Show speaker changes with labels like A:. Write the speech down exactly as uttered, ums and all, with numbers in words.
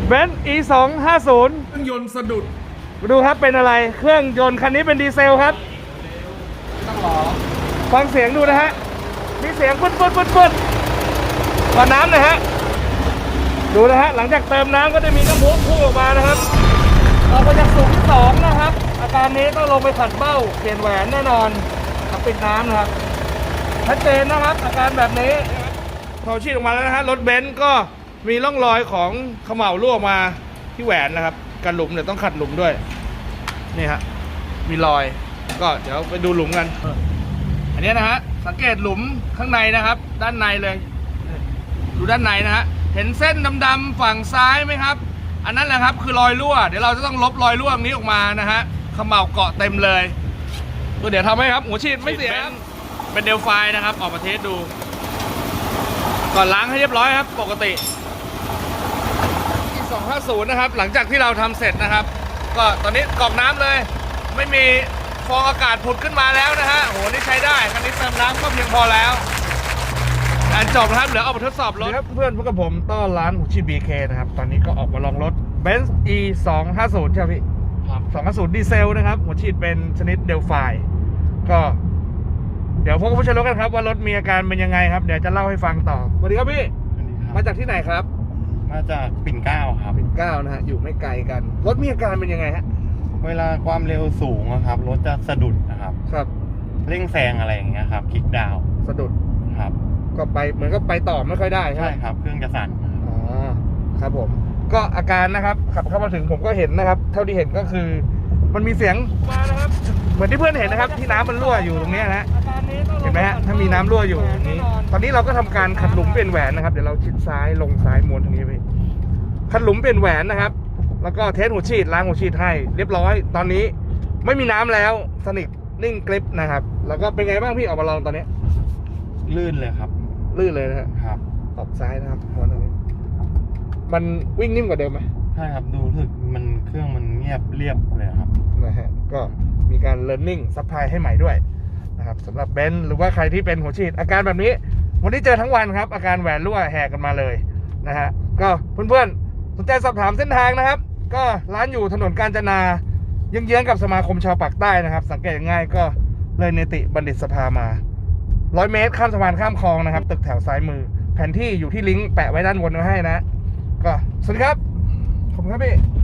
A: เบนซ์ อี สองห้าศูนย์
B: เครื่องยนต์สะดุด
A: มาดูครับเป็นอะไรเครื่องยนต์คันนี้เป็นดีเซลครับต้องรอฟังเสียงดูนะฮะมีเสียงปึ๊ดปึ๊ดปึ๊ดปึ๊ดขอน้ำหน่อยฮะดูนะฮะหลังจากเติมน้ำก็จะมีน้ำพุพุ่งออกมานะครับออกมาจากสูงที่สองนะครับอาการนี้ต้องลงไปขัดเบ้าเปลี่ยนแหวนแน่นอนปิดน้ำนะครับชัดเจนนะครับอาการแบบนี้พอชีดออกมาแล้วนะฮะรถเบนซ์ก็มีร่องรอยของเขม่ารั่วมาที่แหวนนะครับกันหลุมเดี๋ยวต้องขัดหลุมด้วยนี่ฮะมีรอยก็เดี๋ยวไปดูหลุมกันอันนี้นะฮะสังเกตหลุมข้างในนะครับด้านในเลยดูด้านในนะฮะเห็นเส้นดำๆฝั่งซ้ายไหมครับอันนั้นแหละครับคือรอยรั่วเดี๋ยวเราจะต้องลบรอยรั่วนี้ออกมานะฮะเขม่าเกาะเต็มเลยก็เดี๋ยวทำให้ครับหัวฉีดไม่เสียเป็นเดลไฟนะครับออกมาเทสดูก่อนล้างให้เรียบร้อยครับปกติอีสองห้าศูนย์นะครับหลังจากที่เราทำเสร็จนะครับก็ตอนนี้กรอกน้ำเลยไม่มีฟองอากาศผุดขึ้นมาแล้วนะฮะโหนี่ใช้ได้คันนี้เติมน้ำก็เพียงพอแล้วการจบนะครับเดี๋ยวเอาไปทดสอบรถเพื่อนพวกกับผมต้อนร้านหัวฉีด บี เค นะครับตอนนี้ก็ออกมาลองรถ เบนซ์ อี สองห้าศูนย์ ใช่ไหมพี่สองห้าศูนย์ดีเซลนะครับหัวฉีดเป็นชนิดเดลไฟก็เดี๋ยวพวกผู้ใช้รถกันครับว่ารถมีอาการเป็นยังไงครับเดี๋ยวจะเล่าให้ฟังต่อสวัสดีครับพี่มาจากที่ไหนครับ
C: มาจากปิ่นเกล้าครับ
A: ปิ่นเกล้านะฮะอยู่ไม่ไกลกันรถมีอาการเป็นยังไงฮะ
C: เวลาความเร็วสูงนะครับรถจะสะดุดนะครับ
A: ครับ
C: เร่งแซงอะไรอย่างเงี้ยครับคลิกดาว
A: สะดุด
C: ครับ
A: ก็ไปเหมือนก็ไปต่อไม่ค่อยได้ใช่ไหม
C: ครับเครื่องจะสั่น
A: อ๋อครับผมก็อาการนะครับขับเข้ามาถึงผมก็เห็นนะครับเท่าที่เห็นก็คือมันมีเสียงมานะครับเหมือนที่เพื่อนเห็นนะครับที่น้ำมันรั่วอยู่ตรงนี้นะเห็นไหมฮะถ้ามีน้ำรั่วอยู่นี้ตอนนี้เราก็ทำการขัดหลุมเปลี่ยนแหวนนะครับเดี๋ยวเราชิดซ้ายลงซ้ายม้วนตรงนี้ไปขัดหลุมเปลี่ยนแหวนนะครับแล้วก็เทสหัวฉีดล้างหัวฉีดให้เรียบร้อยตอนนี้ไม่มีน้ำแล้วสนิทนิ่งกริปนะครับแล้วก็เป็นไงบ้างพี่ออกมาลองตอนนี้
C: ลื่นเลยครับ
A: ลื่นเลยนะครับออกซ้ายนะครับม้วนตรงนี้มันวิ่งนิ่มกว่าเดิมไหม
C: ใช่ครับดูรู้สึกมันเครื่องมันเงียบเรียบเลยครับ
A: นะฮะก็มีการ learning supply ให้ใหม่ด้วยนะครับสำหรับเบนซ์หรือว่าใครที่เป็นหัวฉีดอาการแบบนี้วันนี้เจอทั้งวันครับอาการแหวนรั่วแหกกันมาเลยนะฮะก็เพื่อนๆสนใจสอบถามเส้นทางนะครับก็ร้านอยู่ถนนกาญจนาเยื้องๆกับสมาคมชาวปากใต้นะครับสังเกตง่ายก็เลยเนติบัณฑิตสภามาร้อยเมตรข้ามสะพานข้ามคลองนะครับตึกแถวซ้ายมือแผนที่อยู่ที่ลิงก์แปะไว้ด้านบนไว้ให้นะก็สวัสดีครับขอบคุณครับพี่